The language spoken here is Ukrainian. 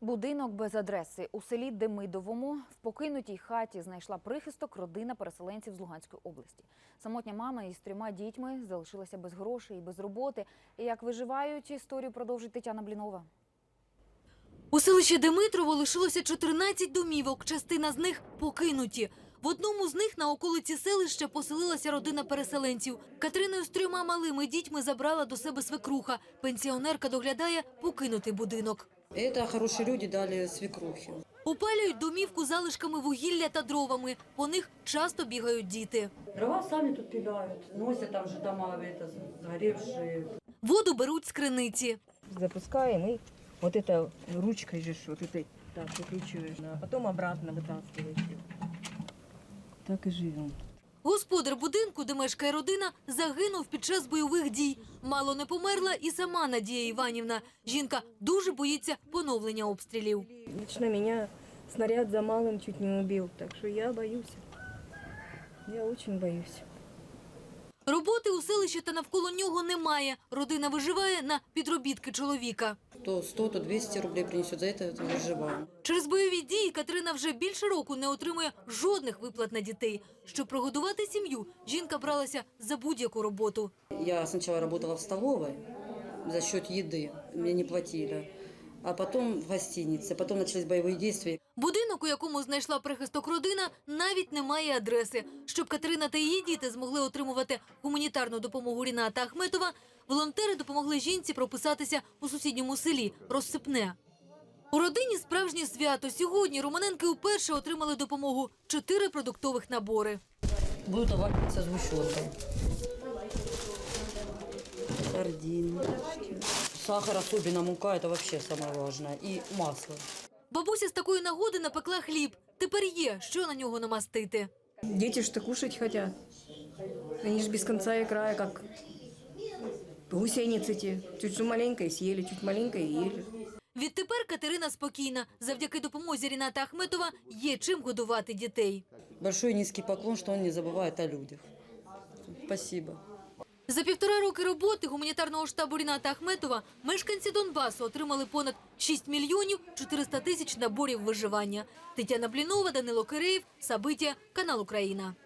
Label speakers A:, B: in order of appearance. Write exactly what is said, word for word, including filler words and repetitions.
A: Будинок без адреси. У селі Демидовому в покинутій хаті знайшла прихисток родина переселенців з Луганської області. Самотня мама із трьома дітьми залишилася без грошей і без роботи. І як виживають, історію продовжить Тетяна Блінова.
B: У селищі Демидрово лишилося чотирнадцять домівок, частина з них покинуті. В одному з них на околиці селища поселилася родина переселенців. Катериною з трьома малими дітьми забрала до себе свекруха. Пенсіонерка доглядає покинутий будинок.
C: Это хорошие люди дали свекрухи.
B: Опалюють домівку залишками вугілля та дровами. По них часто бігають діти.
C: Дрова сами тут пиляют, носят там же дома это, сгоревшие.
B: Воду беруть з криниці.
D: Запускаем и вот это ручкой же вот этой так выкручиваешь, а потом обратно вытаскиваешь. Так и живем.
B: Господар будинку, де мешкає родина, загинув під час бойових дій. Мало не померла і сама Надія Іванівна. Жінка дуже боїться поновлення обстрілів.
D: Лично меня снаряд за малым чуть не убил, так что я боюсь. Я очень боюсь.
B: Роботи у селищі та навколо нього немає. Родина виживає на підробітки чоловіка.
C: То сто, то двести рублей принесет, за это выживаем.
B: Через бойові дії Катерина вже більше року не отримує жодних виплат на дітей. Щоб прогодувати сім'ю, жінка бралася за будь-яку роботу.
C: Я сначала работала в столовой за счет еды, мне не платили. А потом в гостинице, потом начались боевые действия.
B: Будинок, у якому знайшла прихисток родина, навіть не має адреси. Щоб Катерина та її діти змогли отримувати гуманітарну допомогу Ріната Ахметова, волонтери допомогли жінці прописатися у сусідньому селі Розсипне. У родині справжнє свято. Сьогодні Романенки вперше отримали допомогу – чотири продуктових набори.
C: Будут овариться сгущенкой. Сардины. Сахар, особенно мука, это вообще самое важное. И масло.
B: Бабуся з такої нагоди напекла хліб. Тепер є, що на нього намастити.
D: Дети что кушать хотят. Они же без конца и края, как гусеницы те. Чуть же маленькое съели, чуть маленькое ели.
B: Відтепер Катерина спокійна. Завдяки допомозі Ріната Ахметова є чим годувати дітей.
C: Большой низкий поклон, что он не забывает о людях. Спасибо.
B: За півтора роки роботи гуманітарного штабу Ріната Ахметова мешканці Донбасу отримали понад шість мільйонів чотириста тисяч наборів виживання. Тетяна Блінова, Данило Киреєв, Сабиття, канал Україна.